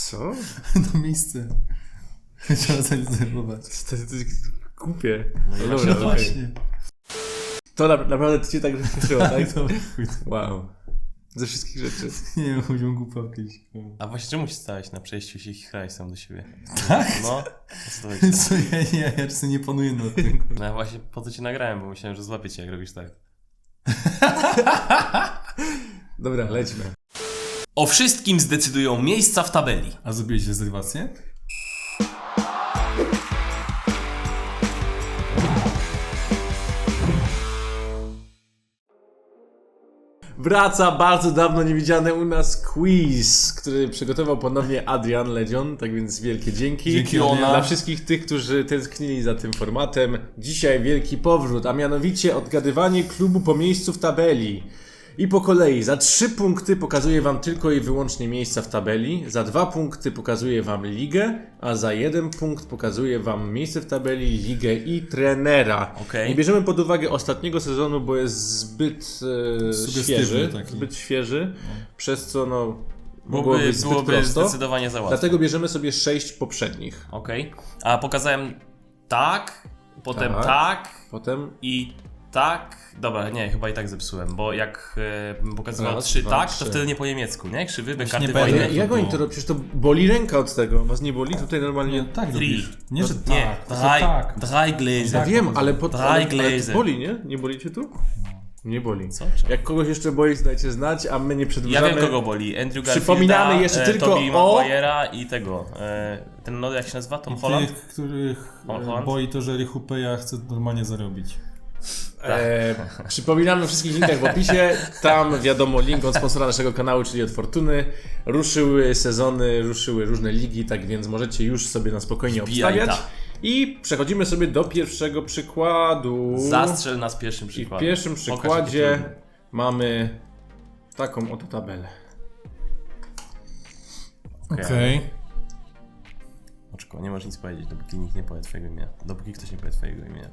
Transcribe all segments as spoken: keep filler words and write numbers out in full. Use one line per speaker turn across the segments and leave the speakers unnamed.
Co?
To miejsce. Trzeba zarezerwować.
To jest głupie.
No i
No
właśnie
dobra,
to-
okej.
Właśnie.
To na, naprawdę to cię tak rozśmieszyło, tak?
Dobra, chuj.
Wow. Ze wszystkich rzeczy.
Nie wiem, chodziło głupawkę jakieś.
A właśnie czemu się stałeś na przejściu się chraj sam do siebie?
Tak?
No, co to chodzi?
Co ja nie, ja czasem nie panuję nad tym.
No ja właśnie po to cię nagrałem, bo myślałem, że złapię cię jak robisz tak.
Dobra, lećmy.
O wszystkim zdecydują miejsca w tabeli.
A zrobiłeś rezerwację?
Wraca bardzo dawno niewidziany u nas quiz, który przygotował ponownie Adrian Ledzion, tak więc wielkie dzięki.
Dzięki,
Ona.
Adrian.
Dla wszystkich tych, którzy tęsknili za tym formatem. Dzisiaj wielki powrót, a mianowicie odgadywanie klubu po miejscu w tabeli. I po kolei, za trzy punkty pokazuję wam tylko i wyłącznie miejsca w tabeli, za dwa punkty pokazuję wam ligę, a za jeden punkt pokazuję wam miejsce w tabeli, ligę i trenera.
Okej.
Nie bierzemy pod uwagę ostatniego sezonu, bo jest zbyt e,
Sugestywny
świeży,
taki.
zbyt świeży, przez co no mogło
Byłoby,
być zbyt
byłoby
prosto.
zdecydowanie za łatwo.
Dlatego bierzemy sobie sześć poprzednich.
Okej. A pokazałem tak, potem
Tak.
tak,
Potem
i tak. Dobra, nie, chyba i tak zepsułem, bo jak e, bym pokazywał
Raz,
trzy
dwa,
tak,
trzy.
to wtedy nie po niemiecku, nie? Krzywy, be karty
nie
Ale
będę.
wojny.
jak, jak oni to robią? Przecież to boli ręka od tego. Was nie boli? Tutaj normalnie...
Nie, tak
Three.
robisz. Nie, że
Nie,
tak. to
drei,
tak.
drei Gläser.
Ja wiem, ale, pod,
Drei
ale, ale to
Gläser.
boli, nie? Nie boli cię tu? Nie boli.
Co? Czemu?
Jak kogoś jeszcze boli, dajcie znać, a my nie
Ja
przedłużamy.
wiem, kogo boli. Andrew Garfielda,
Przypominamy jeszcze
e,
tylko
Tobey
o-
Maguire'a i tego. E, ten no jak się nazywa? Tom Holland?
Tych, których
Tom
e,
Holland?
boi to, że Richupeja chce normalnie zarobić.
E, przypominamy o wszystkich linkach w opisie. Tam wiadomo link od sponsora naszego kanału, czyli od Fortuny. Ruszyły sezony, ruszyły różne ligi, tak więc możecie już sobie na spokojnie
Wbijaj
obstawiać.
ta.
I przechodzimy sobie do pierwszego przykładu.
Zastrzel nas pierwszym
I w
przykładem.
pierwszym
Pokaż, jakie
przykładzie
trudne.
mamy taką oto tabelę.
Okej.
Okej.
Oczko, nie możesz nic powiedzieć, dopóki nikt nie powie twojego imienia. Dopóki ktoś nie powie twojego imienia.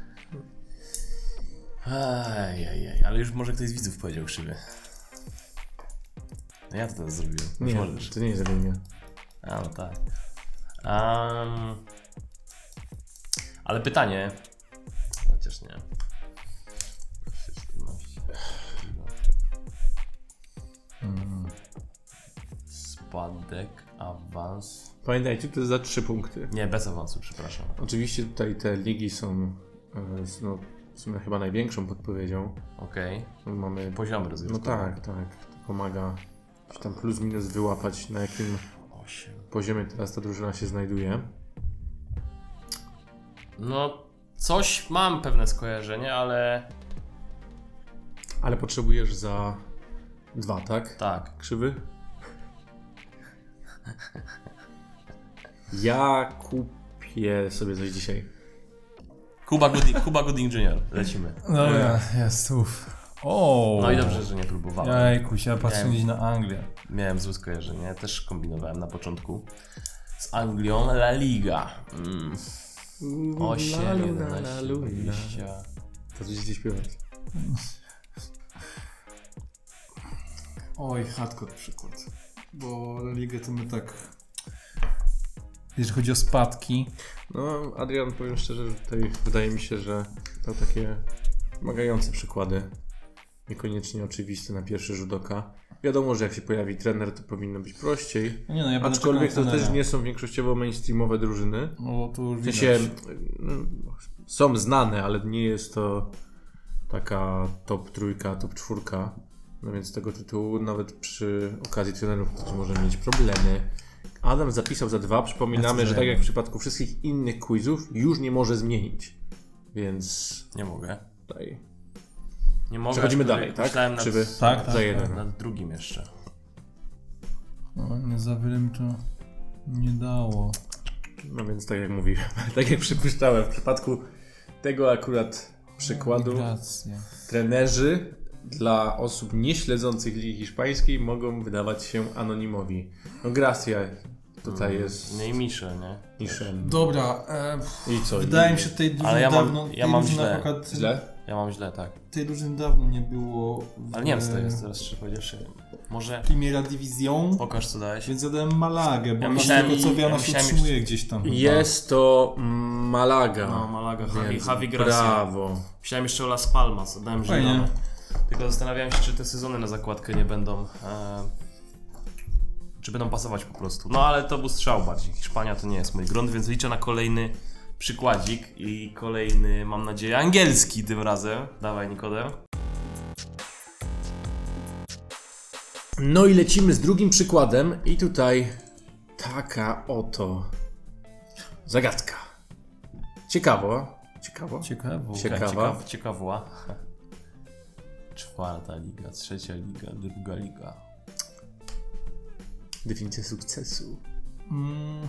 Ajajaj, ale już może ktoś z widzów powiedział krzywy. No ja to teraz zrobiłem. Już
Nie,
możesz.
to nie jest imię.
A, no tak. Um, ale pytanie. Chociaż nie. Spadek, awans.
Pamiętajcie, to jest za trzy punkty.
Nie, bez awansu, przepraszam.
Oczywiście tutaj te ligi są e, z- no, w sumie chyba największą podpowiedzią.
Okej.
Mamy
Poziom
No
rozgrywkowy.
tak, tak. To pomaga gdzieś tam plus minus wyłapać, na jakim
osiem.
poziomie teraz ta drużyna się znajduje.
No, coś mam pewne skojarzenie, ale
Ale potrzebujesz za dwa, tak?
tak.
Krzywy? Ja kupię sobie coś dzisiaj.
Kuba Gooding, Kuba Gooding junior Lecimy.
Dobra, jest, uff. O.
No i dobrze, że nie próbowałem.
Jajkuś, ja patrzę
Miałem-
gdzieś na Anglię.
Miałem złe skojarzenie, też kombinowałem na początku. Z Anglią La Liga. Mm. osiem, jedenaście, dwadzieścia.
To coś gdzieś śpiewać.
Oj, hardcore przykład. Bo ligę to my tak... Jeżeli chodzi o spadki,
No, Adrian, powiem szczerze, że tutaj wydaje mi się, że to takie wymagające przykłady. Niekoniecznie oczywiste na pierwszy rzut oka. Wiadomo, że jak się pojawi trener, to powinno być prościej.
no nie no, ja będę
Aczkolwiek
czekał
to
na
też
trenera.
nie są większościowo mainstreamowe drużyny.
No to już
W
widać.
sensie no, są znane, ale nie jest to taka top trójka, top czwórka. No więc z tego tytułu nawet przy okazji trenerów ktoś może mieć problemy. Adam zapisał za dwa. Przypominamy,
Ja
że
chcę
tak jak
jeden.
w przypadku wszystkich innych quizów już nie może zmienić. Więc
Nie mogę.
tutaj
Nie mogę.
przechodzimy
aczkolwiek
dalej, tak?
Myślałem nad,
Krzywy?
Tak, tak.
Za jeden.
nad drugim jeszcze.
No, nie za wiele mi to nie dało.
No więc tak jak mówiłem, tak jak przypuszczałem, w przypadku tego akurat przykładu
Migracja.
trenerzy dla osób nieśledzących Ligi Hiszpańskiej mogą wydawać się anonimowi. No Gracia tutaj jest
Nie i Michel, nie?
niższy.
Dobra, e,
I co?
wydaje
I-
mi się tej drużyny
Ale ja mam-
dawno...
ja
tej
mam
drużyny
źle.
akurat
Źle?
Ja mam źle, tak.
Tej drużyny dawno nie było w
Ale nie wiem co to jest, teraz szczerze powiedziawszy. Może
Primera Division,
pokaż co dałeś.
więc ja dałem Malagę, bo
Ja
ja
myślałem-
tego co
ja
Wiana się
myślałem
utrzymuje gdzieś tam. chyba.
Jest to Malaga.
No, Malaga, Javi,
Więc
Javi Gracia.
brawo.
Myślałem jeszcze o Las Palmas, dałem
Fajnie.
zielone. Tylko zastanawiałem się, czy te sezony na zakładkę nie będą... E, czy będą pasować po prostu. No ale to był strzał bardziej. Hiszpania to nie jest mój grunt, więc liczę na kolejny przykładzik i kolejny, mam nadzieję, angielski tym razem. Dawaj, Nikodem.
No i lecimy z drugim przykładem i tutaj taka oto zagadka. Ciekawo. Ciekawo.
Ciekawo.
Ciekawa.
Ciekaw, ciekawła. Czwarta liga, trzecia liga, druga liga.
Definicja sukcesu.
Mm.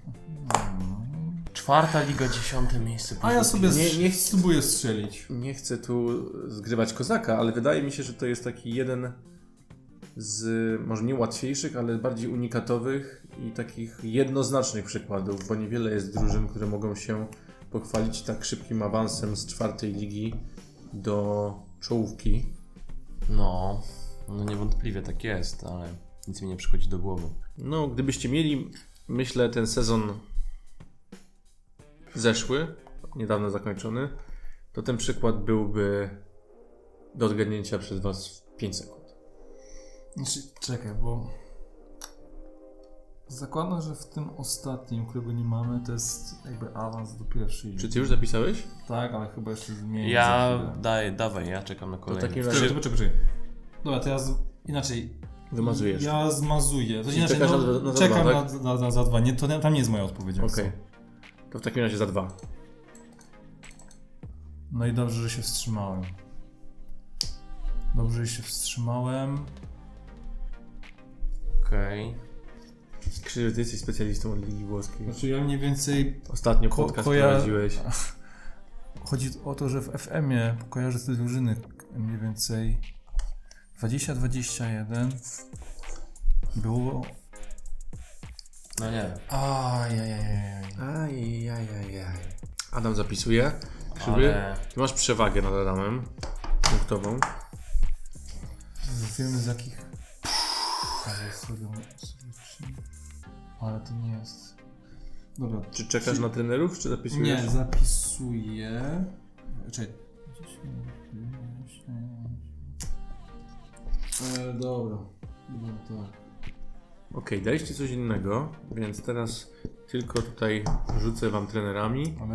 Czwarta liga, dziesiąte miejsce.
A ja sobie
Nie-
nie,
nie-
spróbuję strzelić.
Nie chcę tu zgrywać kozaka, ale wydaje mi się, że to jest taki jeden z może nie łatwiejszych, ale bardziej unikatowych i takich jednoznacznych przykładów, bo niewiele jest drużyn, które mogą się pochwalić tak szybkim awansem z czwartej ligi do czołówki.
No, no niewątpliwie tak jest, ale nic mi nie przychodzi do głowy.
No, gdybyście mieli, myślę, ten sezon zeszły, niedawno zakończony, to ten przykład byłby do odgadnięcia przez Was w pięć sekund.
Znaczy, czekaj, bo zakładam, że w tym ostatnim, którego nie mamy, to jest jakby awans do pierwszej
Czy
ligi.
Ty już zapisałeś?
Tak, ale chyba jeszcze zmienię.
Ja daj, dawaj, ja czekam na kolejny.
takim
Czekaj,
razie-
czekaj, czekaj. Dobra, to ja z... inaczej.
Wymazujesz.
Ja zmazuję. To
Czyli
inaczej,
czekasz
no,
na- na za
czekam
dwa,
na,
tak?
na, na za dwa. Nie, to tam nie jest moja odpowiedź. jak
Okej.
co.
To w takim razie za dwa.
No i dobrze, że się wstrzymałem. Dobrze, że się wstrzymałem.
Okej.
Krzywy, Ty jesteś specjalistą od Ligi Włoskiej.
Znaczy ja mniej więcej...
Ostatnio
Ko-
podcast
koja-
prowadziłeś.
Chodzi o to, że w F M-ie kojarzę te drużyny mniej więcej dwadzieścia dwadzieścia jeden było...
No nie,
Ajajajaj.
Ajajajaj. Adam zapisuje. Krzywy,
ale...
Ty masz przewagę nad Adamem. Punktową.
Wiemy z jakich... Ale sobie... Ale to nie jest... Dobra.
Czy czekasz na trenerów, czy zapisujesz?
Nie, zapisuję... Czekaj. E, dobra. No tak.
Okej, daliście coś innego, więc teraz tylko tutaj rzucę Wam trenerami.
Ale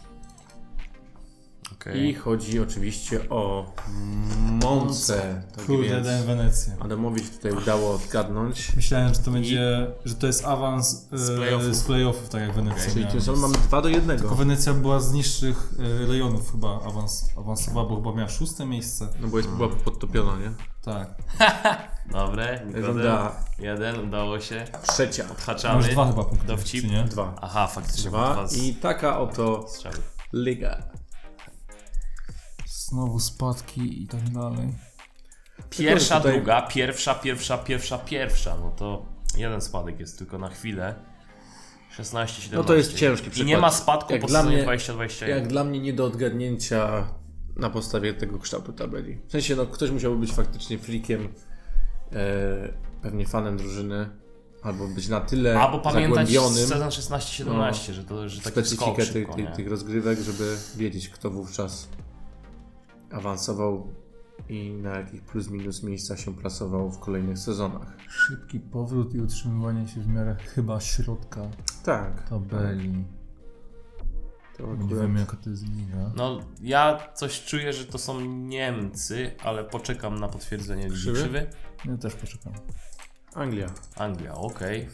Okej.
I chodzi oczywiście o Monce. Tak
kurde,
więc
dałem Wenecję.
Adamowi się tutaj udało odgadnąć.
Myślałem, że to będzie, że to jest awans e,
Z playoffów.
z playoffów, tak jak Wenecja
Czyli
miała
tym samym
miejsce.
mamy dwa do jednego.
Tylko Wenecja była z niższych e, rejonów chyba awans, awansowała, bo chyba miała szóste miejsce.
No bo jest, była podtopiona, nie?
Tak.
Dobre, Nikodem.
Runda
Jeden, udało się.
trzecia.
Odhaczamy.
Masz dwa chyba punkty,
Dowcip.
czy nie?
Dwa.
Aha, faktycznie.
Dwa.
Dwa z...
I taka oto
strzały.
liga.
Znowu spadki i tak dalej.
Pierwsza,
tutaj-
druga, pierwsza, pierwsza, pierwsza, pierwsza. No to jeden spadek jest tylko na chwilę. szesnaście, siedemnaście.
No to jest ciężki
I
przykład.
nie ma spadku
Jak
po
dla
sezonie
mnie-
dwadzieścia dwadzieścia jeden.
Jak dla mnie nie do odgadnięcia na podstawie tego kształtu tabeli. W sensie, no ktoś musiałby być faktycznie freakiem, e, pewnie fanem drużyny, albo być na tyle
Albo pamiętać
zagłębionym
sezon szesnaście siedemnaście, że to że taki skok
specyfikę
szybko,
tych, tych,
nie?
tych rozgrywek, żeby wiedzieć, kto wówczas awansował i na jakich plus minus miejscach się plasował w kolejnych sezonach.
Szybki powrót i utrzymywanie się w miarę chyba środka
Tak.
tabeli.
To
Nie
akurat...
wiemy jaka to jest liga.
No ja coś czuję, że to są Niemcy, ale poczekam na potwierdzenie Ligi
Krzywy?
Krzywy.
Ja też poczekam.
Anglia.
Anglia, okej.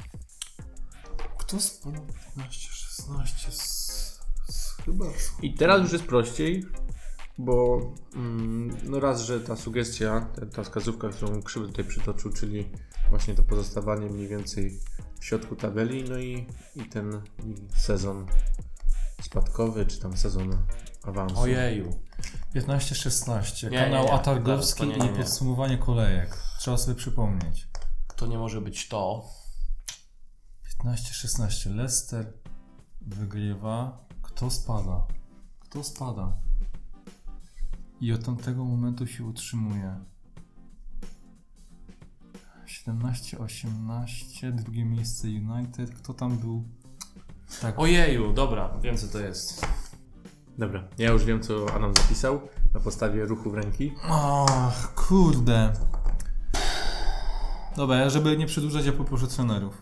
Kto spadł piętnaście szesnaście z, z chyba...
I teraz już jest prościej, bo mm, no raz, że ta sugestia, ta, ta wskazówka, którą Krzywy tutaj przytoczył, czyli właśnie to pozostawanie mniej więcej w środku tabeli, no i, i ten sezon spadkowy, czy tam sezon awansu.
Ojeju.
piętnaście szesnaście.
Nie,
Kanał
nie, nie.
Atargowski
Zaraz, to nie, nie,
i
nie.
podsumowanie kolejek. Trzeba sobie przypomnieć.
To nie może być to.
piętnaście szesnaście. Leicester wygrywa. Kto spada? Kto spada? I od tamtego momentu się utrzymuje. siedemnaście osiemnaście, drugie miejsce United. Kto tam był? Tak.
Ojeju, dobra, wiem co to jest.
Dobra, ja już wiem, co Adam zapisał na podstawie ruchu w ręki.
Ach, kurde. Dobra, ja żeby nie przedłużać, ja poproszę trenerów.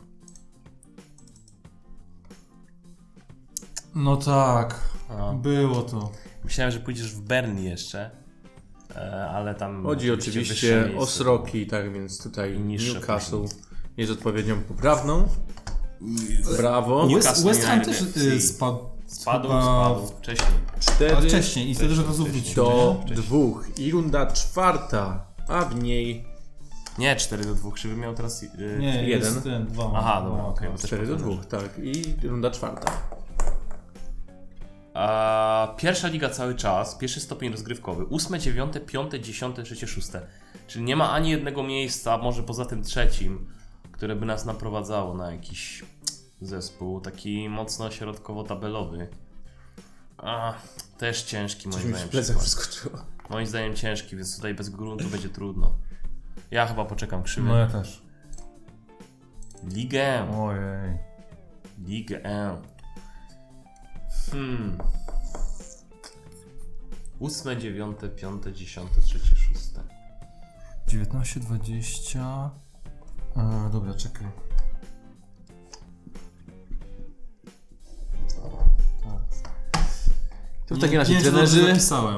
No tak,
A.
było to.
Myślałem, że pójdziesz w Burnley jeszcze, e, ale tam...
Chodzi
wyższe
oczywiście
miejsce.
o Sroki, tak więc tutaj
I niższe
Newcastle
później.
jest odpowiednią poprawną. Brawo.
Nie-
West,
Newcastle
West Ham
United
też y,
F C.
spadł.
Spadł,
chyba
spadł, wcześniej.
Ale
cztery
wcześniej i wtedy, że to
wcześniej,
wrócił.
do
nie?
dwóch. I runda czwarta, a w niej
Nie, cztery do dwóch. Krzywy miał teraz... y,
Nie,
jeden.
jest ten, dwa.
Aha, dobra,
Dwa.
okej. bo też
cztery do
powtarzam.
dwóch, tak. I runda czwarta.
A, pierwsza liga cały czas, pierwszy stopień rozgrywkowy, ósme, dziewiąte, piąte, dziesiąte, trzecie, szóste. Czyli nie ma ani jednego miejsca, może poza tym trzecim, które by nas naprowadzało na jakiś zespół, taki mocno środkowo-tabelowy. A, też ciężki moim
Coś mi w
zdaniem.
plecach
przykład.
wyskoczyło.
Moim zdaniem ciężki, więc tutaj bez gruntu będzie trudno. Ja chyba poczekam krzywy.
No ja też.
Ligę.
Ojej.
Ligę. Hmm. Ósme, dziewiąte, piąte, dziesiąte, trzecie, szóste.
dziewiętnaście, dwadzieścia. E, dobra, czekaj.
To w takim razie
nie, nie,
trenerzy
zapisałem.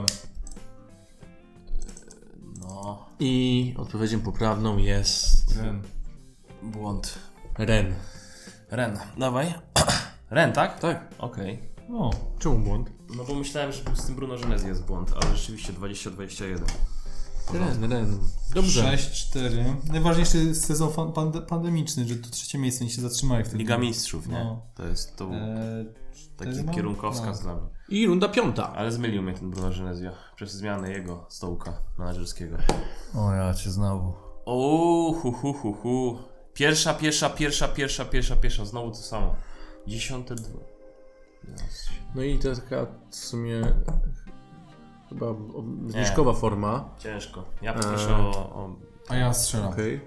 No,
i odpowiedzią poprawną jest
Ten.
błąd.
Ren.
Ren, dawaj. Ren, tak?
Tak.
Okej.
No.
Czemu błąd?
No bo myślałem, że z tym Bruno Genes jest błąd, ale rzeczywiście dwadzieścia dwadzieścia jeden.
Ren, Ren. Dobrze.
sześć cztery. Najważniejszy sezon fan- pande- pandemiczny, że to trzecie miejsce, nie się zatrzymali wtedy.
Liga Mistrzów, nie?
No.
To jest to
E,
taki
cztery mam?
kierunkowskaz
No.
dla mnie.
I runda piąta.
Ale zmylił mnie ten Bruno Genesio przez zmianę jego stołka menadżerskiego.
O, ja cię znowu.
O, hu, hu, hu, hu. Pierwsza, pierwsza, pierwsza, pierwsza, pierwsza, pierwsza. Znowu to samo. Dziesiąte dwa. Yes.
No i to taka w sumie chyba o- zniżkowa forma.
Ciężko. Ja poproszę
Eee.
o... o...
A ja strzelam.
Okej.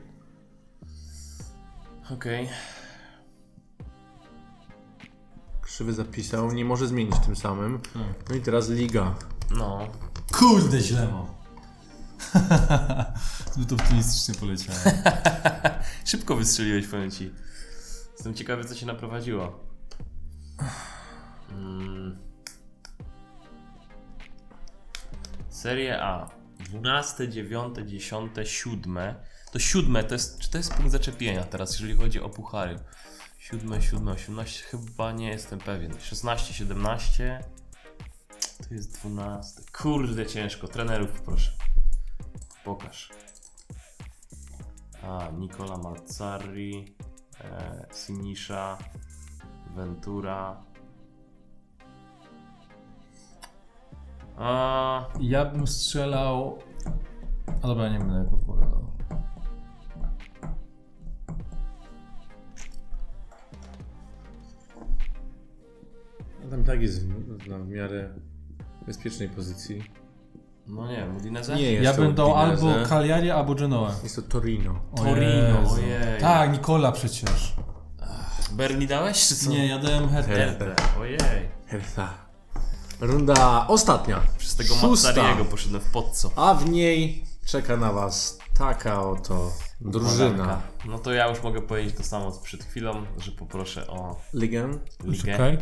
Okej.
Krzywy zapisał, nie może zmienić tym samym.
Hmm.
No i teraz liga.
No.
Kurde, źle mam. Zbyt optymistycznie poleciałem.
Szybko wystrzeliłeś, powiem ci. Jestem ciekawy, co się naprowadziło. Mm. Serie A. dwunaste, dziewiąte, dziesiąte, siódme. To siódme, to jest, czy to jest punkt zaczepienia teraz, jeżeli chodzi o puchary? Siódme, siódme, osiemnaście, chyba nie jestem pewien. szesnaście, siedemnaście. To jest dwunaste. Kurde, ciężko. Trenerów poproszę. Pokaż. A, Nicola Mazzarri, e, Sinisza, Ventura. A,
Ja bym strzelał... A dobra, nie będę podpowiadał.
Tam tak jest w, na w miarę bezpiecznej pozycji.
no nie, Udinese?
Nie jest
Ja
to
bym dał
Udinese.
albo Cagliari, albo Genoa.
Jest to Torino.
O
Torino,
Jezu.
ojej.
Tak, Nikola przecież.
Berni dałeś, czy co?
Nie, ja dałem Hertę.
Hertę, ojej.
Hertha. Runda ostatnia.
Przez tego
Szósta.
Mazzariego poszedłem w podco.
A w niej czeka na was taka oto drużyna.
Polanka. No to ja już mogę powiedzieć to samo co przed chwilą, że poproszę o
Ligę.
ligę.
Czekaj.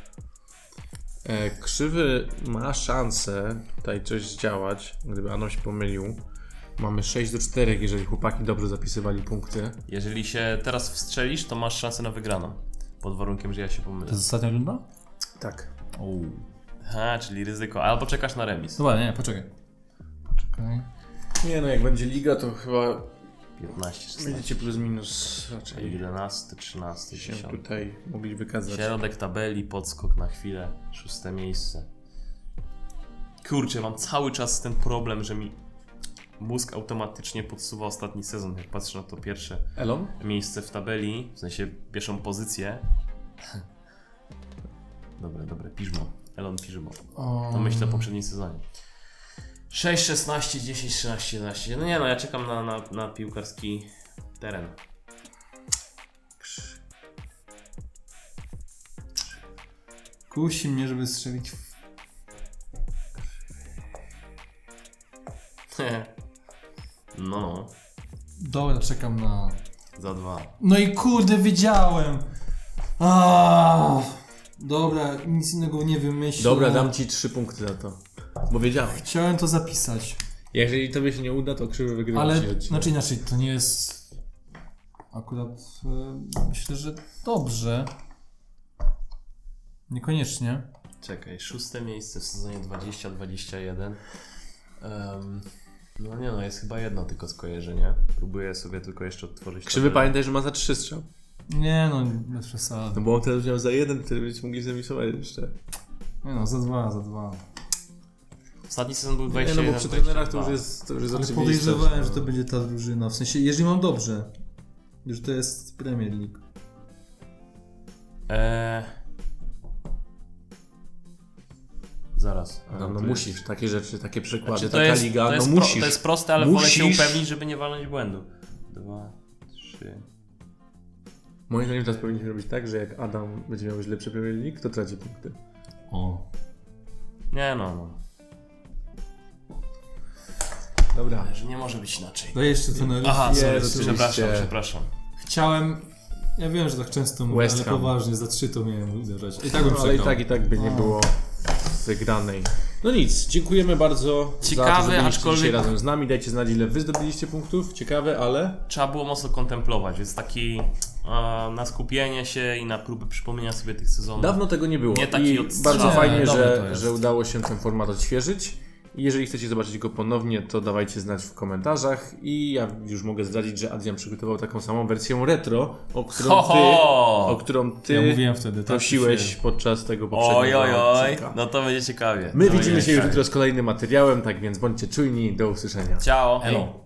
E, Krzywy ma szansę tutaj coś zdziałać, gdyby Adam się pomylił. Mamy sześć do czterech, jeżeli chłopaki dobrze zapisywali punkty.
Jeżeli się teraz wstrzelisz, to masz szansę na wygraną. Pod warunkiem, że ja się pomylę.
To jest ostatnia runda?
Tak.
Ha, czyli ryzyko. Albo czekasz na remis.
Dobra, nie, poczekaj. Poczekaj.
Nie no, jak będzie liga, to chyba
piętnaście, szesnaście,
będziecie plus minus raczej
jedenaście, trzynaście,
się
dziesiąte.
tutaj mogli wykazać.
Środek tabeli, podskok na chwilę, szóste miejsce. Kurczę, mam cały czas ten problem, że mi mózg automatycznie podsuwa ostatni sezon, jak patrzę na to pierwsze
Elon?
miejsce w tabeli, w sensie pierwszą pozycję. Dobre, dobre, Piżmo. Elon Piżmo. To myślę o poprzednim sezonie. sześć, szesnaście, dziesięć, trzynaście, jedenaście. No nie no, ja czekam na, na, na piłkarski teren.
Kusi mnie, żeby strzelić w...
No, no,
Dobra, czekam na...
za dwa.
No i kurde, wiedziałem! Aaaa. Dobra, nic innego nie wymyślę.
Dobra, dam ci trzy punkty za to. Bo wiedziałem.
Chciałem to zapisać.
Jeżeli tobie się nie uda, to krzywy wygrywa.
Ale,
ci odcinek.
znaczy inaczej, to nie jest... Akurat e, myślę, że dobrze. Niekoniecznie.
Czekaj, szóste miejsce w sezonie dwadzieścia dwadzieścia jeden. Um, no nie no, jest chyba jedno tylko skojarzenie. Próbuję sobie tylko jeszcze odtworzyć.
Krzywy
tabelę.
pamiętaj, że ma za trzy strzał.
Nie no, bez przesady.
No bo on teraz miał za jeden, wtedy będziecie mogli zamisować jeszcze.
Nie no, za dwa, za dwa.
Ostatni sezon był
Nie,
dwadzieścia
no
jeden.
bo przy trenerach to już jest, to już jest
Ale
oczywiste.
podejrzewałem, że to będzie ta drużyna. W sensie, jeżeli mam dobrze, że to jest Premier League.
Eee... Zaraz.
No, no
to
musisz,
jest-
takie rzeczy, takie przykłady,
Znaczy, to,
taka
jest,
liga,
to,
no
jest
musisz.
pro, to jest proste, ale wolę się
Musisz.
upewnić, żeby nie walnąć błędu. Dwa, trzy.
Moim zdaniem teraz powinniśmy robić tak, że jak Adam będzie miał już lepszy Premier League, to traci punkty.
O.
Nie no, no.
Dobra.
Ale że nie może być inaczej.
To jeszcze to na
Aha,
Jest,
sorry,
oczywiście.
przepraszam, przepraszam.
Chciałem... Ja wiem, że tak często mówię,
West
ale
Ham.
poważnie, za trzy to miałem uderzać. I tak bym
No, ale i
przegrał.
tak, i tak by nie
O.
było wygranej. No nic, dziękujemy bardzo za
Ciekawe,
to, że byliście
aczkolwiek-
dzisiaj razem z nami. Dajcie znać, ile wy zdobyliście punktów. Ciekawe, ale...
Trzeba było mocno kontemplować, więc taki e, na skupienie się i na próbę przypomnienia sobie tych sezonów.
Dawno tego nie było.
Nie taki
I
odstrzał.
bardzo
Nie,
fajnie,
dobre to
że,
jest.
że udało się ten format odświeżyć. I jeżeli chcecie zobaczyć go ponownie, to dawajcie znać w komentarzach. I ja już mogę zdradzić, że Adrian przygotował taką samą wersję retro, o którą
Ho,
ty,
ho!
o którą ty
Ja mówiłem wtedy, tak?
prosiłeś
się-
podczas tego poprzedniego
Oj, oj, oj,
odcinka.
no to będzie ciekawie.
My
To
widzimy
będzie
się już
ciekawie.
jutro z kolejnym materiałem, tak więc bądźcie czujni. Do usłyszenia.
Ciao.
Elo.